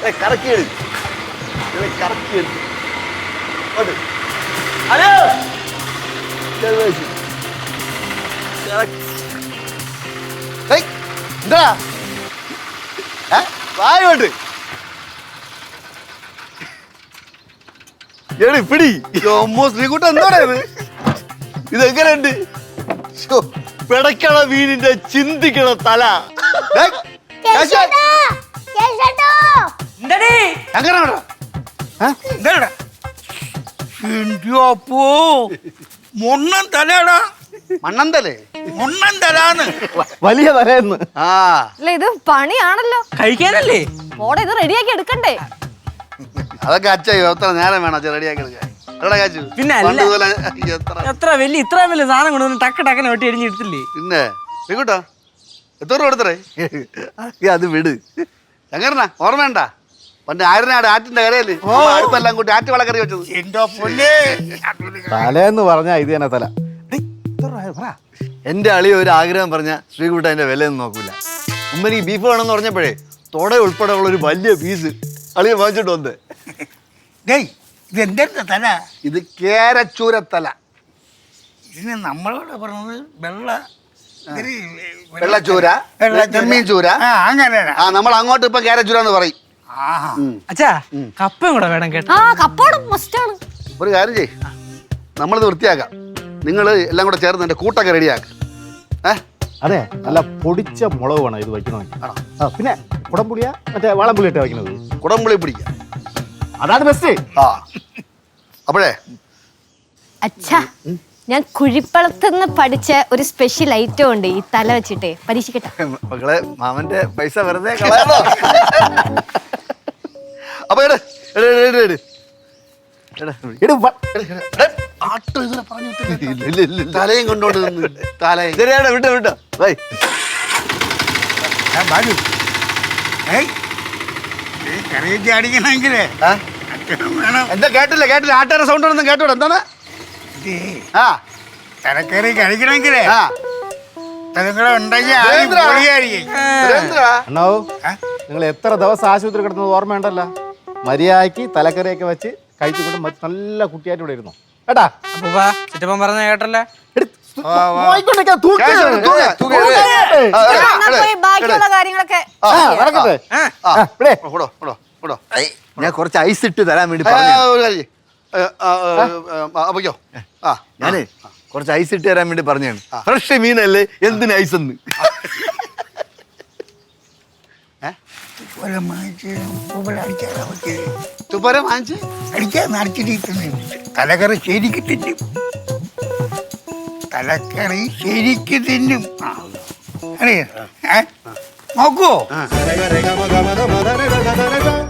കറക്കിയെടു കറക്കിയെടു hello എന്താ വായോട്ട് പിടി ശ്രീകുട്ട എന്താ ഇതെങ്ങനെയുണ്ട് പിടയ്ക്കണ വീടിന്റെ ചിന്തിക്കണ തല അപ്പോ മൊണ്ണൻ തലയാടാ മണ്ണന്തലേ മൊണ്ണൻ തലാന്ന് വലിയ തലേന്ന് അല്ല ഇത് പണിയാണല്ലോ കഴിക്കാനല്ലേ മോടെ ഇത് റെഡിയാക്കി എടുക്കണ്ടേ അതൊക്കെ അച്ഛയോ എത്ര നേരം വേണം അച്ഛൻ റെഡിയാക്കി എടുക്കാൻ പിന്നെ എത്ര വലിയ ഇത്ര വലിയ സാധനം കൊണ്ടുവന്ന് ടക്ക് ടക്കനെ വെട്ടി എരിഞ്ഞെടുത്തില്ലേ പിന്നെ ശ്രീകുട്ടോ എത്ര രൂപ കൊടുത്തറേ അത് വിട് എങ്ങനാ ഓർമ്മയുണ്ട പണ്ട് ആയിരനാട് ആറ്റിന്റെ കരയല്ലേ അടുപ്പെല്ലാം കൂട്ടി ആറ്റ് വളക്കറി വെച്ചത് എന്തോ പൊന്നേ തലേന്ന് പറഞ്ഞാ ഇത് തന്നെ തല. എന്റെ അളി ഒരു ആഗ്രഹം പറഞ്ഞ ശ്രീകുട്ട അതിന്റെ വിലയൊന്നും നോക്കൂല ഉമ്മനിക്ക് ബീഫ് വേണമെന്ന് പറഞ്ഞപ്പോഴേ തൊട ഉൾപ്പെടെ ഉള്ള ഒരു വലിയ പീസ് അളിയെ വാങ്ങിച്ചിട്ട് വന്ന് ഇതെന്താ തല ഇത് കേരച്ചൂരത്തല ഇതിന് നമ്മളോട് പറഞ്ഞത് വെള്ളച്ചൂര ചെമ്മീൻ ചൂര അങ്ങനെ നമ്മൾ അങ്ങോട്ട് ഇപ്പൊ കേരച്ചൂര എന്ന് പറയും അച്ഛാ കപ്പയും കൂടെ വേണം കേട്ടോ കപ്പോടും മസ്റ്റാണ് ഒരു കാര്യം ചെയ് നമ്മളിത് വൃത്തിയാക്കാം നിങ്ങൾ എല്ലാം കൂടെ ചേർന്ന് എന്റെ കൂട്ടൊക്കെ റെഡിയാക്ക അതെ നല്ല പൊടിച്ച മുളക് വേണം ഇത് വയ്ക്കണമെങ്കിൽ പിന്നെ കുടംപുളിയാ മറ്റേ വാളംപുളി ഇട്ട് വയ്ക്കുന്നത് കുടംപുളി പിടിക്കാം അതാണ് ബെസ്റ്റ് അപ്പോഴേ അച്ഛാ ഞാൻ കുഴിപ്പളത്തുനിന്ന് പഠിച്ച ഒരു സ്പെഷ്യൽ ഐറ്റം ഉണ്ട് ഈ തല വെച്ചിട്ട് പരീക്ഷിക്കട്ടെ മക്കളെ മാമന്റെ പൈസ വെറുതെ കളയാണോ അപ്പൊ തലയും കൊണ്ടോണ്ട് തലയും ശരിയാണ് വിട്ടോ വിട്ടോ വൈ അടിക്കണമെങ്കിലേ എന്താ കേട്ടില്ല ആട്ടാര സൗണ്ട് ഒന്നും കേട്ടോടെ എന്താണ് തലക്കറി കഴിക്കണമെങ്കിലേ അണ്ണാവൂ നിങ്ങൾ എത്ര ദിവസം ആശുപത്രി കിടന്നത് ഓർമ്മയുണ്ടല്ലോ മര്യാദയ്ക്ക് തലക്കറിയൊക്കെ വെച്ച് കഴിച്ചുകൊണ്ട് നല്ല കുട്ടിയായിട്ട് ഇവിടെ ഇരുന്നു കേട്ടാ ചിറ്റപ്പൻ പറഞ്ഞ കേട്ടല്ലേ ബാക്കിയുള്ള കാര്യങ്ങളൊക്കെ ഞാൻ കുറച്ച് ഐസ് ഇട്ട് തരാൻ വേണ്ടി ഞാനേ കുറച്ച് ഐസ് ഇട്ട് തരാൻ വേണ്ടി പറഞ്ഞാണ് ഫ്രഷ് മീനല്ലേ എന്തിന് ഐസ് എന്ന് തലക്കറി ശരിക്ക് തിന്നും തലക്കറി ശരിക്ക് തിന്നും അറിയാ നോക്കുവോ